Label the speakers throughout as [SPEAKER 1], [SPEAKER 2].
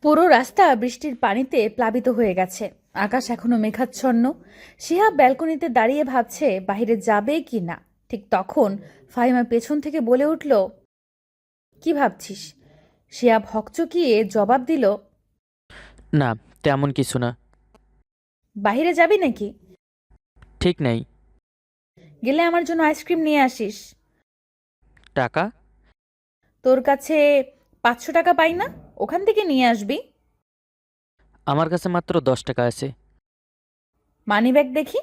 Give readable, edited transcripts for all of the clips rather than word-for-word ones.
[SPEAKER 1] পুরো রাস্তা বৃষ্টির পানিতে প্লাবিত হয়ে গেছে। আকাশ এখনো মেঘাচ্ছন্ন। শিহাব ব্যালকনিতে দাঁড়িয়ে ভাবছে বাইরে যাবে কি না। ঠিক তখন ফাহিমা পেছন থেকে বলে উঠল, কি ভাবছিস? শিহাব হকচকিয়ে জবাব দিল,
[SPEAKER 2] না, তেমন কিছু না।
[SPEAKER 1] বাইরে যাবি নাকি?
[SPEAKER 2] ঠিক নেই।
[SPEAKER 1] গেলে আমার জন্য আইসক্রিম নিয়ে আসিস।
[SPEAKER 2] টাকা?
[SPEAKER 1] তোর কাছে 500 টাকা পাই না, ওখান থেকে নিয়ে আসবি।
[SPEAKER 2] আমার কাছে মাত্র 10 টাকা আছে।
[SPEAKER 1] মানি ব্যাগ দেখি।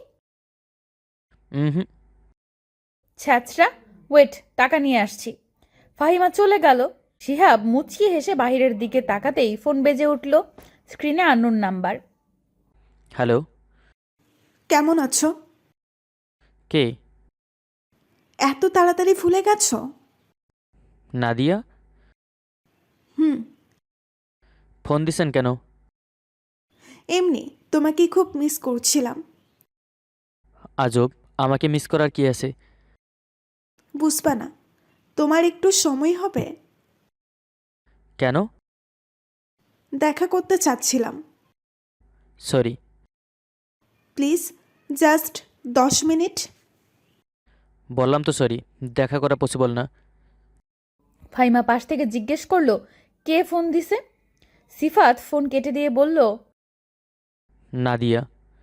[SPEAKER 2] হুম।
[SPEAKER 1] ছ্যাচরা, ওয়েট, টাকা নিয়ে আসছি। ফাহিমা চলে গেল। শিহাব মুচকি হেসে বাহিরের দিকে তাকাতেই ফোন বেজে উঠল। স্ক্রিনে আননোন নাম্বার।
[SPEAKER 2] হ্যালো।
[SPEAKER 3] কেমন আছো?
[SPEAKER 2] কে?
[SPEAKER 3] এত তাড়াতাড়ি ভুলে গেছো?
[SPEAKER 2] নাদিয়া?
[SPEAKER 3] হুম।
[SPEAKER 2] ফোন দিছেন কেন?
[SPEAKER 3] এমনি তোমাকে খুব মিস করছিলাম।
[SPEAKER 2] আজব, আমাকে মিস করার কি আছে?
[SPEAKER 3] বুঝবা না, তোমার একটু সময় হবে?
[SPEAKER 2] কেন?
[SPEAKER 3] দেখা করতে চাচ্ছিলাম।
[SPEAKER 2] সরি।
[SPEAKER 3] Please, just 10 minute.
[SPEAKER 2] বললাম তো সরি, দেখা করা পসিবল না।
[SPEAKER 1] ফাহিমা পাশ থেকে জিজ্ঞেস করলো, কে ফোন দিছে? সিফাত ফোন কেটে দিয়ে বলল,
[SPEAKER 2] নাদিয়া।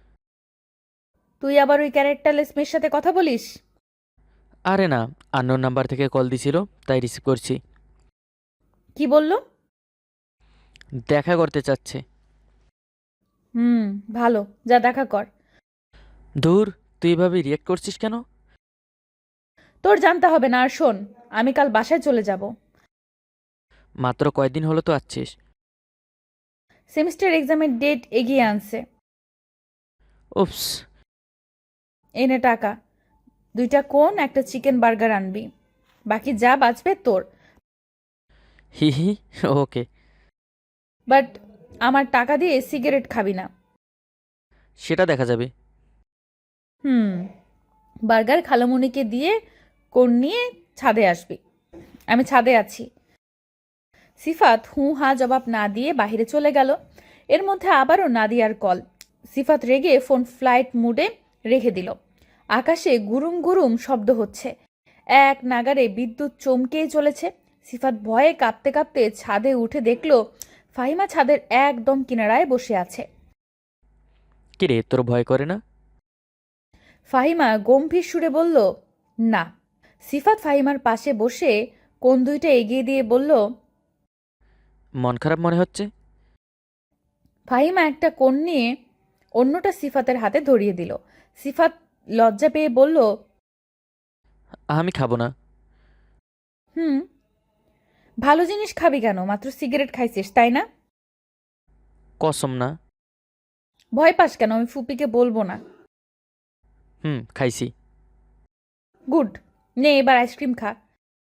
[SPEAKER 1] তুই আবার ওই ক্যারেক্টারলেস মেয়ের সাথে কথা বলিস?
[SPEAKER 2] আরে না, আননোন নাম্বার থেকে কল দিছিল, তাই রিসিভ করছি।
[SPEAKER 1] কি বলল?
[SPEAKER 2] দেখা করতে চাচ্ছে।
[SPEAKER 1] হুম, ভালো, যা দেখা কর।
[SPEAKER 2] ধুর, তুই এভাবে রিয়েক্ট করছিস কেন?
[SPEAKER 1] তোর জানতে হবে না। আর শোন, আমি কাল বাসায় চলে যাব।
[SPEAKER 2] মাত্র কয়দিন হলো তো আসছিস।
[SPEAKER 1] সেমিস্টার এক্সামের ডেট এগিয়ে আনছে।
[SPEAKER 2] উপস।
[SPEAKER 1] এনে টাকা। 2টা কোন, একটা চিকেন বার্গার আনবি। বাকি যা বাঁচবে তোর।
[SPEAKER 2] হি হি। ওকে।
[SPEAKER 1] বাট আমার টাকা দিয়ে সিগারেট খাবি না।
[SPEAKER 2] সেটা দেখা যাবে।
[SPEAKER 1] হুম, বার্গার খালামুনিকে দিয়ে কোন নিয়ে ছাদে আসবি। আমি ছাদে আছি। সিফাত হু হা জবাব না দিয়ে বাইরে চলে গেল। এর মধ্যে আবারও নাদিয়ার কল। সিফাত রেগে ফোন ফ্লাইট মুডে রেখে দিল। আকাশে গুরুম গুরুম শব্দ হচ্ছে। এক নাগাড়ে বিদ্যুৎ চমকেই চলেছে। সিফাত ভয়ে কাঁপতে কাঁপতে ছাদে উঠে দেখল ফাহিমা ছাদের একদম কিনারায় বসে আছে।
[SPEAKER 2] কিরে, তোর ভয় করে না?
[SPEAKER 1] ফাহিমা গম্ভীর সুরে বলল, না। সিফাত ফাহিমার পাশে বসে কোন দুইটা এগিয়ে দিয়ে বলল,
[SPEAKER 2] মন খারাপ মনে হচ্ছে?
[SPEAKER 1] ফাহিমা একটা কোণ নিয়ে অন্যটা সিফাতের হাতে ধরিয়ে দিল। সিফাত লজ্জা পেয়ে বলল,
[SPEAKER 2] আমি খাবো না।
[SPEAKER 1] হুম, ভালো জিনিস খাবি কেন? মাত্র সিগারেট খাইছিস তাই না?
[SPEAKER 2] কসম না।
[SPEAKER 1] ভয় পাস কেন? আমি ফুপিকে বলবো না।
[SPEAKER 2] খাইছি।
[SPEAKER 1] গুড, নে এবার আইসক্রিম খা।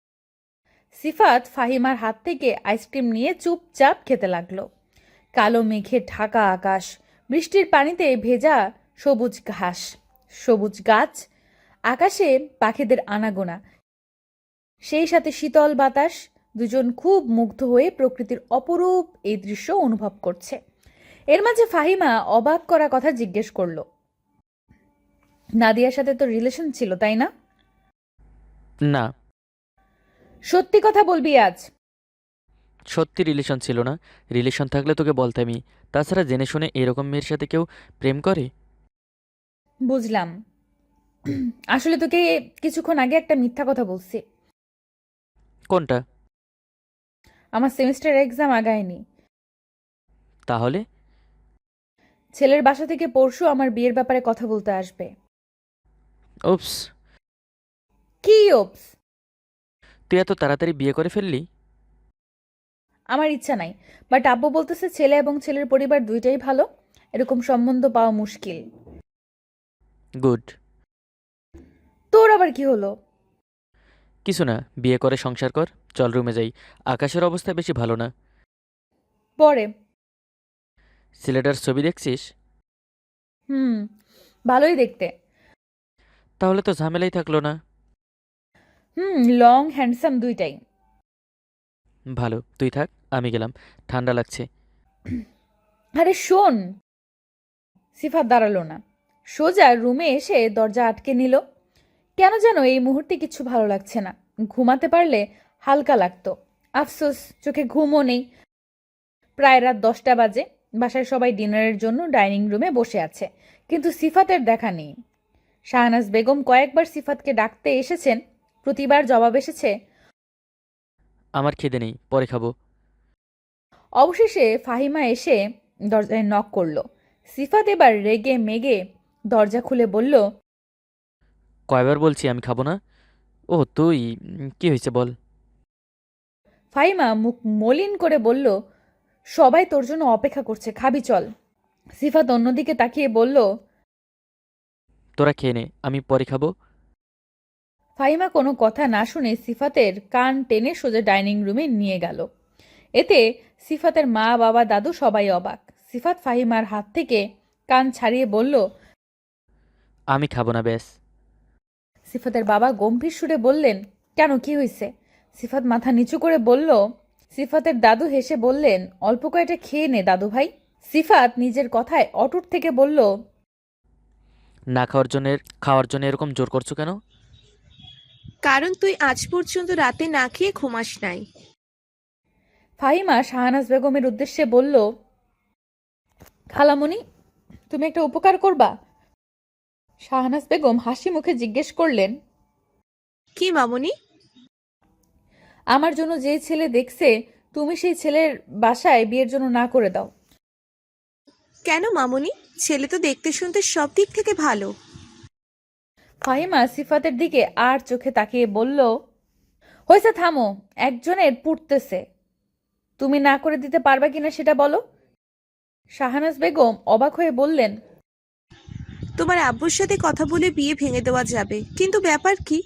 [SPEAKER 1] সিফাত ফাহিমার হাত থেকে আইসক্রিম নিয়ে চুপচাপ খেতে লাগলো। কালো মেঘে ঢাকা আকাশ, বৃষ্টির পানিতে ভেজা সবুজ ঘাস, সবুজ গাছ, আকাশে পাখিদের আনাগোনা, সেই সাথে শীতল বাতাস। দুজন খুব মুগ্ধ হয়ে প্রকৃতির অপরূপ এই দৃশ্য অনুভব করছে। এর মাঝে ফাহিমা অবাক করা কথা জিজ্ঞেস করলো, নাদিয়ার সাথে তো রিলেশন ছিল তাই না?
[SPEAKER 2] না।
[SPEAKER 1] সত্যি কথা বলবি আজ?
[SPEAKER 2] সত্যি রিলেশন ছিল না। রিলেশন থাকলে তোকে বলতামই। তাছাড়া জেনে শুনে এরকম মেয়ের সাথে কেউ প্রেম করে?
[SPEAKER 1] বুঝলাম। আসলে তোকে কিছুক্ষণ আগে একটা মিথ্যা কথা বলছি।
[SPEAKER 2] কোনটা?
[SPEAKER 1] আমার সেমিস্টার এক্সাম আগায়নি।
[SPEAKER 2] তাহলে?
[SPEAKER 1] ছেলের বাসা থেকে পরশু আমার বিয়ের ব্যাপারে কথা বলতে আসবে।
[SPEAKER 2] উপস।
[SPEAKER 1] কি ওপস?
[SPEAKER 2] তুই এত তাড়াতাড়ি বিয়ে করে ফেললি?
[SPEAKER 1] আমার ইচ্ছা নাই, বাট আব্বু বলতেছে ছেলে এবং ছেলের পরিবার দুইটাই ভালো, এরকম সম্বন্ধ পাওয়া মুশকিল।
[SPEAKER 2] গুড।
[SPEAKER 1] তোর আবার কি হলো?
[SPEAKER 2] কিছু না, বিয়ে করে সংসার কর। চল রুমে যাই। আকাশের অবস্থা বেশি ভালো না।
[SPEAKER 1] পরে।
[SPEAKER 2] ছেলেটার ছবি দেখছিস?
[SPEAKER 1] হুম, ভালোই দেখতে।
[SPEAKER 2] তাহলে তো ঝামেলাই থাকলো না।
[SPEAKER 1] হুম, লং হ্যান্ডসাম দুইটাই।
[SPEAKER 2] ভালো, তুই থাক, আমি গেলাম। ঠান্ডা লাগছে।
[SPEAKER 1] আরে শোন। সিফাত দাঁড়ালো না, সোজা রুমে এসে দরজা আটকে নিল। কেন যেন এই মুহূর্তে কিছু ভালো লাগছে না। ঘুমাতে পারলে হালকা লাগতো। আফসোস, চোখে ঘুমও নেই। প্রায় রাত 10টা বাজে। বাসায় সবাই ডিনারের জন্য ডাইনিং রুমে বসে আছে, কিন্তু সিফাতের দেখা নেই। শাহনাজ বেগম কয়েকবার সিফাতকে ডাকতে এসেছেন, প্রতিবার জবাব এসেছে
[SPEAKER 2] আমার খিদে নেই, পরে খাবো।
[SPEAKER 1] অবশেষে ফাহিমা এসে দরজায় নক করলো। সিফাত এবার রেগে মেগে দরজা খুলে বলল,
[SPEAKER 2] কয়বার বলছি আমি খাবো না? ও তুই, কি হয়েছে বল।
[SPEAKER 1] ফাহিমা মুখ মলিন করে বলল, সবাই তোর জন্য অপেক্ষা করছে, খাবি চল। সিফাত অন্যদিকে তাকিয়ে বলল,
[SPEAKER 2] তোরা খেয়ে নে, আমি পরে খাবো।
[SPEAKER 1] ফাহিমা কোনো কথা না শুনে সিফাতের কান টেনে সোজা ডাইনিং রুমে নিয়ে গেল। এতে সিফাতের মা, বাবা, দাদু সবাই অবাক। সিফাত ফাহিমার হাত থেকে কান ছাড়িয়ে বলল,
[SPEAKER 2] আমি খাবো না ব্যাস।
[SPEAKER 1] সিফাতের বাবা গম্ভীর সুরে বললেন, কেন, কি হয়েছে? সিফাত মাথা নিচু করে বলল। সিফাতের দাদু হেসে বললেন, অল্প কয়েকটা খেয়ে নে দাদু ভাই। সিফাত নিজের কথায় অটুট থেকে বলল,
[SPEAKER 2] না খাওয়ার জন্য এরকম জোর করছো কেন?
[SPEAKER 3] কারণ তুই আজ পর্যন্ত রাতে না খেয়ে ঘুমাস নাই।
[SPEAKER 1] ফাহিমা শাহনাজ বেগমের উদ্দেশ্যে বলল, খালামণি, তুমি একটা উপকার করবা? শাহনাজ বেগম হাসি মুখে জিজ্ঞেস করলেন,
[SPEAKER 3] কি মামুনি?
[SPEAKER 1] আমার জন্য যে ছেলে দেখছে, তুমি সেই ছেলের বাসায় বিয়ের জন্য না করে দাও।
[SPEAKER 3] কেন মামুনি? ছেলে তো দেখতে শুনতে সব দিক থেকে ভালো।
[SPEAKER 1] ফাহিমা সিফাতের দিকে আর চোখে তাকিয়ে বলল, হয়েছে, থামো। একজনের পুড়তেছে, তুমি না করে দিতে পারবা কিনা সেটা বলো। শাহনাজ বেগম অবাক হয়ে বললেন,
[SPEAKER 3] তোমার আব্বুর সাথে কথা বলে বিয়ে ভেঙে দেওয়া যাবে, কিন্তু ব্যাপার কি?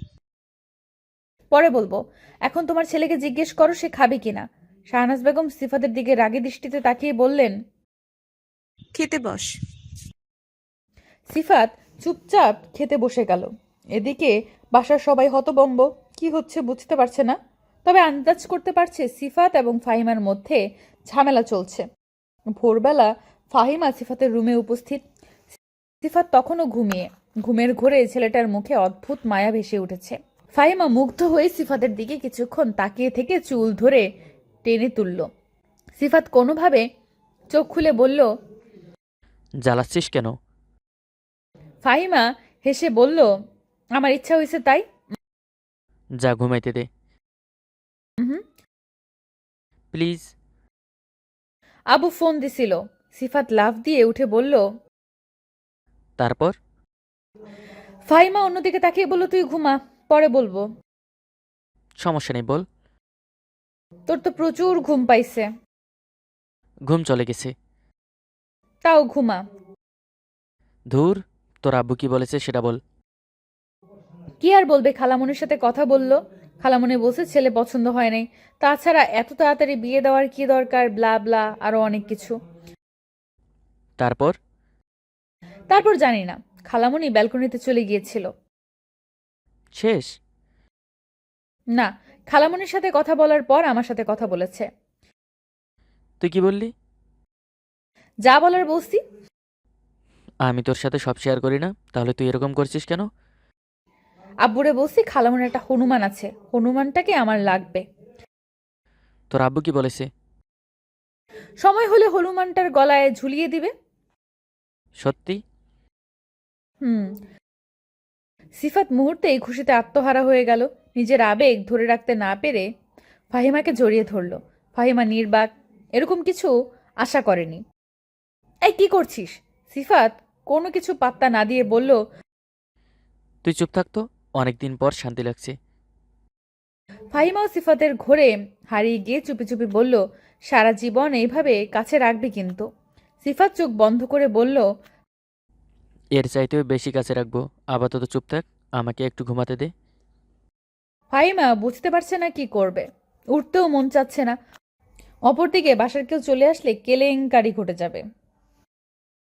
[SPEAKER 1] পরে বলবো, এখন তোমার ছেলেকে জিজ্ঞেস করো সে খাবে কিনা। শাহনাজ বেগম সিফাতের দিকে রাগী দৃষ্টিতে তাকিয়ে বললেন।
[SPEAKER 3] খেতে বস।
[SPEAKER 1] সিফাত চুপচাপ খেতে বসে গেল। এদিকে বাসার সবাই হতবম্ব, কি হচ্ছে বুঝতে পারছে না। তবে আন্দাজ করতে পারছে সিফাত এবং ফাহিমার মধ্যে ঝামেলা চলছে। ভোরবেলা ফাহিমা সিফাতের রুমে উপস্থিত। সিফাত তখনও ঘুমিয়ে। ঘুমের ঘোরে ছেলেটার মুখে অদ্ভুত মায়া ভেসে উঠেছে। ফাহিমা মুগ্ধ হয়ে সিফাতের দিকে কিছুক্ষণ তাকিয়ে থেকে চুল ধরে টেনে তুলল। সিফাত কোনোভাবে চোখ খুলে বলল,
[SPEAKER 2] জ্বালাচ্ছিস কেন?
[SPEAKER 1] ফাহিমা হেসে বলল, আমার ইচ্ছা হয়েছে তাই।
[SPEAKER 2] যা ঘুমাইতে দে
[SPEAKER 1] হুম।
[SPEAKER 2] প্লিজ।
[SPEAKER 1] আবু ফোন দিছিল। সিফাত লাফ দিয়ে উঠে বলল।
[SPEAKER 2] তারপর?
[SPEAKER 1] ফাহিমা অন্যদিকে তাকিয়ে বলল, তুই ঘুমা, পরে বলবো।
[SPEAKER 2] সমস্যা নেই, বল।
[SPEAKER 1] তোর তো প্রচুর ঘুম পাইছে।
[SPEAKER 2] ঘুম চলে গেছে।
[SPEAKER 1] তাও ঘুমা।
[SPEAKER 2] ধুর, তোর আব্বু কি বলেছে সেটা বল।
[SPEAKER 1] কি আর বলবে, খালামনির সাথে কথা বলল। খালামনি বলছে ছেলে পছন্দ হয় নাই, তাছাড়া এত তাড়াতাড়ি বিয়ে দেওয়ার কি দরকার, ব্লা ব্লা আরো অনেক কিছু।
[SPEAKER 2] তারপর?
[SPEAKER 1] তারপর জানি না। খালামনি ব্যালকনিতে চলে গিয়েছিল।
[SPEAKER 2] শেষ?
[SPEAKER 1] না, খালামনির সাথে কথা বলার পর আমার সাথে কথা বলেছে।
[SPEAKER 2] তুই কি বললি?
[SPEAKER 1] যা বলার বলছি।
[SPEAKER 2] আমি তোর সাথে সব শেয়ার করি না, তাহলে তুই এরকম করছিস কেন?
[SPEAKER 1] আব্বুরে বলছি খালামনির একটা হনুমান আছে, হনুমানটাকে আমার লাগবে।
[SPEAKER 2] তোর আব্বু কি বলেছে?
[SPEAKER 1] সময় হলে হনুমানটার গলায় ঝুলিয়ে দিবে।
[SPEAKER 2] সত্যি?
[SPEAKER 1] হুম। সিফাত মুহূর্তেই খুশিতে আত্মহারা হয়ে গেল। নিজের আবেগ ধরে রাখতে না পেরে ফাহিমাকে জড়িয়ে ধরল। ফাহিমা নির্বাক, এরকম কিছু আশা করেনি। এই কি করছিস? সিফাত কোনো কিছু পাত্তা না দিয়ে বলল।
[SPEAKER 2] তুই চুপ থাকতো, অনেকদিন পর শান্তি লাগছে।
[SPEAKER 1] ফাহিমাও সিফাতের ঘোরে হারিয়ে গিয়ে চুপি চুপি বলল, সারা জীবন এইভাবে কাছে রাখবি কিন্তু। সিফাত চোখ বন্ধ করে বলল,
[SPEAKER 2] এর চাইতেও বেশি কাছে রাখবো। আপাতত চুপ থাক, আমাকে একটু ঘুমাতে দে।
[SPEAKER 1] ফাহিমা বুঝতে পারছে না কি করবে, উঠতেও মন চাচ্ছে না। অপরদিকে বাসার কেউ চলে আসলে কেলেঙ্কারি ঘটে যাবে।